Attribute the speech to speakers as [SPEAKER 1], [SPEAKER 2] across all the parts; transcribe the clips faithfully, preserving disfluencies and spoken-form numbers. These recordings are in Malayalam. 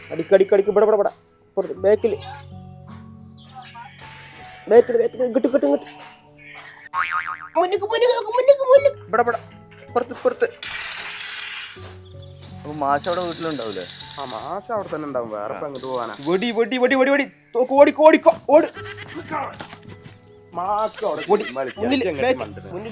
[SPEAKER 1] അടിക്കടിക്കടിക്ക് ഇവിടെ ഇവിടെ ഇവിടെ ബേക്കിൽ ബേക്കിൽ ബേക്കിൽ ഇങ്ങോട്ട് ഇങ്ങോട്ട് ഇങ്ങോട്ട് മുന്നിക്ക് മുന്നിക്ക് മുന്നിക്ക് മുന്നിക്ക് ഇവിടെ ഇവിടെ പുറത്ത് പുറത്ത്.
[SPEAKER 2] അപ്പൊ മാഷ് അവിടെ വീട്ടിലുണ്ടാവൂലേ?
[SPEAKER 3] ആ മാഷ് അവിടെ തന്നെ ഉണ്ടാവും. വേറെ അങ്ങോട്ട് പോകാനാ.
[SPEAKER 1] വെടി വെടി വെടി വെടി വെടി തോക്ക് ഓടിക്കോ ഓടിക്കോ ഓട്.
[SPEAKER 3] മാഷ് അവിടെ
[SPEAKER 1] മുന്നിൽ മുന്നിൽ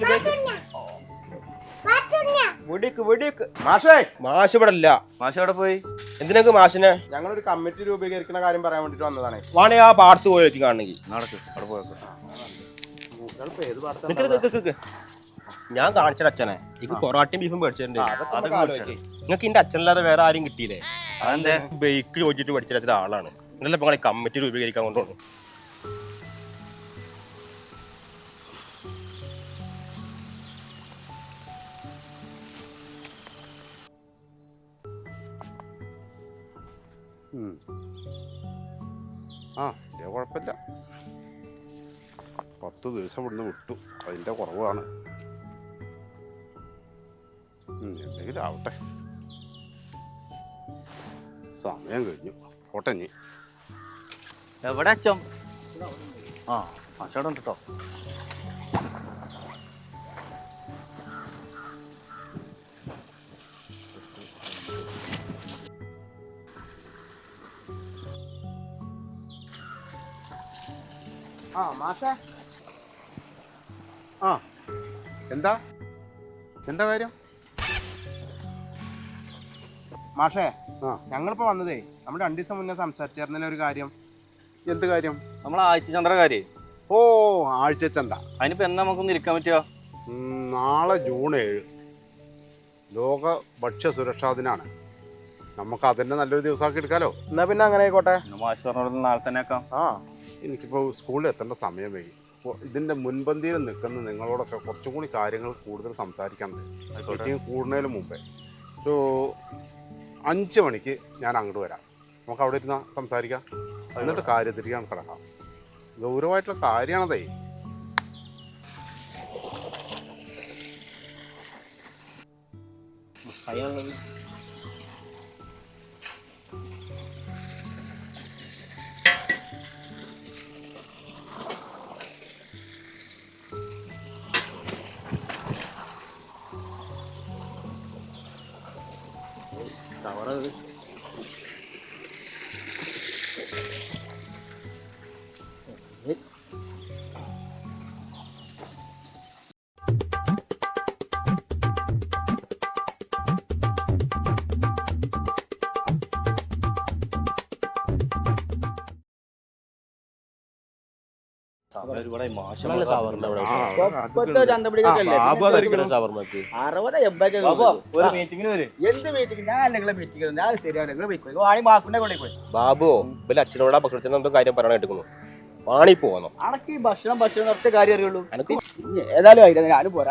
[SPEAKER 1] വെടിക്ക് വെടിക്ക്.
[SPEAKER 3] മാഷേ
[SPEAKER 1] മാഷ് ഇവിടെ ഇല്ല.
[SPEAKER 2] മാഷ് അവിടെ പോയി.
[SPEAKER 1] എന്തിനൊക്കെ മാഷിനെ?
[SPEAKER 3] ഞങ്ങളൊരു കമ്മിറ്റി രൂപീകരിക്കുന്ന കാര്യം പറയാൻ വേണ്ടിട്ട് വന്നതാണ്.
[SPEAKER 1] വാണേ ആ പാടത്ത് പോയി വെച്ച് കാണണമെങ്കിൽ
[SPEAKER 2] നടക്ക് അവിടെ പോയപ്പോ
[SPEAKER 3] ഏത് പാടത്ത്?
[SPEAKER 1] ഞാൻ കാണിച്ചത് അച്ഛനെ എനിക്ക് പൊറാട്ടയും ബീഫും മേടിച്ചിട്ടുണ്ട്.
[SPEAKER 3] അതൊക്കെ
[SPEAKER 1] നിങ്ങൾക്ക് എന്റെ അച്ഛനല്ലാതെ വേറെ ആരും കിട്ടിയില്ലേ?
[SPEAKER 2] അതെന്തേ?
[SPEAKER 1] ബൈക്ക് ചോദിച്ചിട്ട് പഠിച്ചിട്ട് ആളാണ്. എന്നല്ല ഇപ്പൊ കമ്മിറ്റി രൂപീകരിക്കാൻ കൊണ്ടുപോകുന്നു.
[SPEAKER 4] ആ ഇല്ല കുഴപ്പമില്ല. പത്ത് ദിവസം ഇവിടുന്ന് വിട്ടു, അതിൻ്റെ കുറവാണ്. എന്തെങ്കിലും ആവട്ടെ, സമയം കഴിഞ്ഞു. പോട്ടെ നീ.
[SPEAKER 2] എവിടെ അച്ഛൻ? ആ മാഷ് അവിടെ ഉണ്ട് കേട്ടോ.
[SPEAKER 3] ആ മാഷേ.
[SPEAKER 4] ആ എന്താ എന്താ കാര്യം?
[SPEAKER 3] മാഷേ
[SPEAKER 4] ആ
[SPEAKER 3] ഞങ്ങളിപ്പോ വന്നതേ നമ്മുടെ രണ്ടു ദിവസം മുന്നേ സംസാരിച്ചിരുന്ന ഒരു കാര്യം.
[SPEAKER 4] എന്ത് കാര്യം?
[SPEAKER 2] നമ്മളെ ആഴ്ച ചന്ദ്രകാരി.
[SPEAKER 4] ഓ ആഴ്ചച്ചന്ത.
[SPEAKER 2] അതിനിപ്പോ എന്നാ നമുക്കൊന്ന് ഇരിക്കാൻ പറ്റുമോ?
[SPEAKER 4] നാളെ ജൂൺ ഏഴ് ലോക ഭക്ഷ്യ സുരക്ഷാ ദിനാണ്. നമുക്ക് അതന്നെ നല്ലൊരു ദിവസമാക്കി എടുക്കാലോ.
[SPEAKER 3] എന്നാ പിന്നെ അങ്ങനെ ആയിക്കോട്ടെ.
[SPEAKER 2] മാഷ് പറഞ്ഞ നാളെ തന്നെ ആക്കാം.
[SPEAKER 3] ആ
[SPEAKER 4] എനിക്കിപ്പോൾ സ്കൂളിൽ എത്തേണ്ട സമയം വൈകി. അപ്പോൾ ഇതിൻ്റെ മുൻപന്തിയിൽ നിൽക്കുന്ന നിങ്ങളോടൊക്കെ കുറച്ചും കൂടി കാര്യങ്ങൾ കൂടുതൽ സംസാരിക്കാനുണ്ട്. മീറ്റിംഗ് കൂടുന്നതിന് മുമ്പേ ഒരു അഞ്ച് മണിക്ക് ഞാൻ അങ്ങോട്ട് വരാം. നമുക്ക് അവിടെ ഇരുന്ന് സംസാരിക്കാം. എന്നിട്ട് കാര്യത്തിരിക്കാൻ കിടക്കാം. ഗൗരവമായിട്ടുള്ള കാര്യമാണതേ.
[SPEAKER 1] ബാബു അച്ഛനോട് ഭക്ഷണത്തിന് എന്തോ കാര്യം പറയാൻ എടുക്കുന്നു. വാണി പോന്നോ?
[SPEAKER 5] അനക്ക് ഈ ഭക്ഷണം ഭക്ഷണം ഒറ്റ കാര്യം അറിയുള്ളൂ. എനിക്ക് ഏതായാലും ആയില്ല, ഞാനും പോരാ.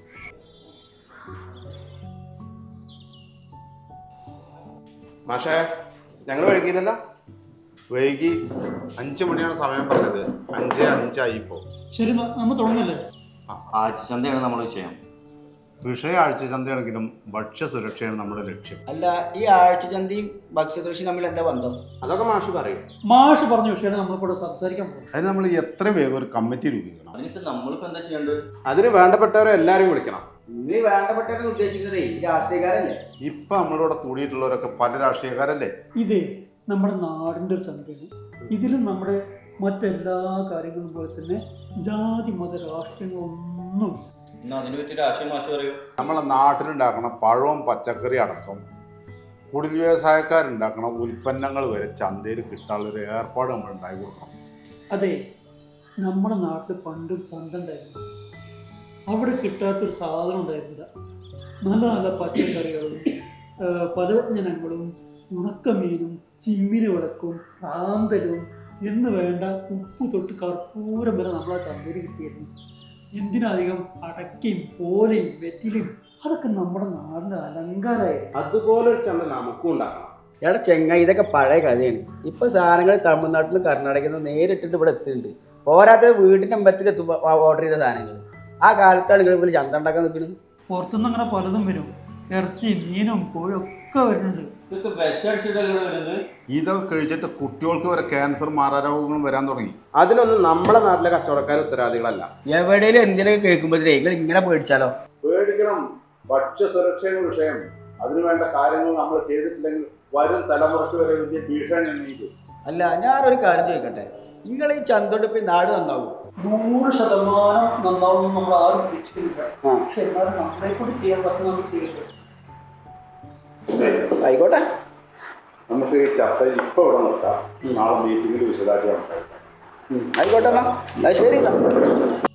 [SPEAKER 3] മാഷേ ഞങ്ങൾ വൈകില്ലല്ലോ.
[SPEAKER 4] വൈകി അഞ്ച് മണിയാണ് സമയം പറഞ്ഞത്. അഞ്ച് അഞ്ചായി ഇപ്പോൾ.
[SPEAKER 6] ശരി, നമ്മൾ തുടങ്ങല്ലേ?
[SPEAKER 2] ആഴ്ച ചന്തയാണ് നമ്മുടെ വിഷയം.
[SPEAKER 4] വിഷയ ആഴ്ച ചന്തയാണെങ്കിലും ഭക്ഷ്യ സുരക്ഷയാണ് നമ്മുടെ ലക്ഷ്യം.
[SPEAKER 5] അല്ല, ഈ ആഴ്ചചന്തയും ഭക്ഷ്യസുരക്ഷയും തമ്മിൽ എന്താ ബന്ധം?
[SPEAKER 3] അതൊക്കെ മാഷ് പറയും.
[SPEAKER 6] മാഷ് പറഞ്ഞ വിഷയമാണ് നമ്മളിവിടെ സംസാരിക്കാൻ പോകും.
[SPEAKER 4] അതിന് നമ്മൾ എത്ര വേഗം ഒരു കമ്മിറ്റി രൂപീകരിക്കണം.
[SPEAKER 2] അതിനിപ്പോ നമ്മളിപ്പോ എന്താ ചെയ്യേണ്ടത്?
[SPEAKER 3] അതിന് വേണ്ടപ്പെട്ടവരെ എല്ലാരും വിളിക്കണം.
[SPEAKER 5] നിങ്ങൾ വേണ്ടപ്പെട്ടവരെന്ന് ഉദ്ദേശിക്കുന്നത് ഈ രാഷ്ട്രീയക്കാരല്ലേ?
[SPEAKER 4] ഇപ്പൊ നമ്മളിവിടെ കൂടിയിട്ടുള്ളവരൊക്കെ പല രാഷ്ട്രീയക്കാരല്ലേ?
[SPEAKER 6] ഇതേ നമ്മുടെ നാടിൻ്റെ ഒരു ചന്തയാണ്. ഇതിലും നമ്മുടെ മറ്റെല്ലാ കാര്യങ്ങളും പോലെ തന്നെ ജാതി മത രാഷ്ട്രീയങ്ങളൊന്നുമില്ല.
[SPEAKER 2] അതിനെ പറ്റി രാഷ്ട്രീയ മാഷ് പറയൂ.
[SPEAKER 4] നമ്മളെ നാട്ടിലുണ്ടാക്കണ പഴവും പച്ചക്കറി അടക്കം കുടിൽ വ്യവസായക്കാരുണ്ടാക്കണ ഉൽപ്പന്നങ്ങൾ വരെ ചന്തയിൽ കിട്ടാനുള്ളൊരു ഏർപ്പാട് നമ്മൾ ഉണ്ടാക്കി കൊടുക്കണം.
[SPEAKER 6] അതെ, നമ്മുടെ നാട്ടിൽ പണ്ടൊരു ചന്ത ഉണ്ടായിരുന്നു. അവിടെ കിട്ടാത്തൊരു സാധനം ഉണ്ടായിരുന്നില്ല. നല്ല നല്ല പച്ചക്കറികളും പലവ്യഞ്ജനങ്ങളും ഉണക്കമീനും ചിമ്മിന് വിളക്കും റാന്തലും എന്ന് വേണ്ട ഉപ്പ് തൊട്ട് കർപ്പൂരം വരെ നമ്മളെ ചന്തയിൽ കിട്ടിയിരുന്നു. എന്തിനധികം അടക്കയും പോലയും വെറ്റിലും അതൊക്കെ നമ്മുടെ നാടിൻ്റെ അലങ്കാരമായിരുന്നു.
[SPEAKER 3] അതുപോലൊരു ചന്ത നമുക്കും ഉണ്ടാക്കണം.
[SPEAKER 5] എടാ ചെങ്ങായി, ഇതൊക്കെ പഴയ കഥയാണ്. ഇപ്പൊ സാധനങ്ങൾ തമിഴ്നാട്ടിൽ നിന്ന് കർണാടകയിൽ നിന്ന് നേരിട്ടിട്ട് ഇവിടെ എത്തുന്നുണ്ട്. പോരാത്ത വീടിൻ്റെ അമ്പലത്തിൽ എത്തുമ്പോൾ ഓർഡർ ചെയ്ത സാധനങ്ങൾ. ആ കാലത്താണ് നിങ്ങൾ ഇവിടെ ചന്ത ഉണ്ടാക്കാൻ നിൽക്കുന്നത്.
[SPEAKER 6] പുറത്തുനിന്ന് അങ്ങനെ പലതും വരും. ഇറച്ചിയും മീനും കോഴും ഒക്കെ വരുന്നുണ്ട്.
[SPEAKER 2] ഇതൊക്കെ വിഷടിച്ചിട്ടല്ലേ വരുന്നത്?
[SPEAKER 4] ഇതൊക്കെ കഴിച്ചിട്ട് കുട്ടികൾക്ക് വരെ ക്യാൻസർ മാറാരോഗങ്ങളും വരാൻ തുടങ്ങി.
[SPEAKER 3] അതിനൊന്നും നമ്മളെ നാട്ടിലെ കച്ചവടക്കാർ ഉത്തരവാദികളല്ല.
[SPEAKER 5] എവിടെയും എന്തിനൊക്കെ കേൾക്കുമ്പോഴേ നിങ്ങൾ ഇങ്ങനെ പേടിച്ചാലോ?
[SPEAKER 4] പേടിക്കണം. ഭക്ഷ്യ സുരക്ഷയുടെ വിഷയം, അതിനുവേണ്ട കാര്യങ്ങൾ നമ്മൾ ചെയ്തിട്ടില്ലെങ്കിൽ വരും തലമുറയ്ക്ക് വരെ വലിയ ഭീഷണി എണ്ണീക്കും.
[SPEAKER 5] അല്ല, ഞാനൊരു കാര്യം ചോദിക്കട്ടെ, നിങ്ങൾ ഈ ചന്തോട്ടിപ്പോ നാട് നന്നാവും?
[SPEAKER 6] നൂറ് ശതമാനം നന്നാവും നമ്മൾ ആരും പ്രതീക്ഷിക്കുന്നില്ല. പക്ഷെ എന്നാലും നമ്മളെ കൂടി ചെയ്യാൻ പറ്റുന്ന നമ്മൾ ചെയ്യട്ടെ.
[SPEAKER 5] ആയിക്കോട്ടെ,
[SPEAKER 4] നമുക്ക് ഈ ചർച്ച ഇപ്പൊ ഇവിടെ നിർത്താം. നാളെ മീറ്റിംഗിൽ വിശദമാക്കി സംസാരിക്കാം.
[SPEAKER 5] ആയിക്കോട്ടെ, എന്നാ ശരി എന്നാ.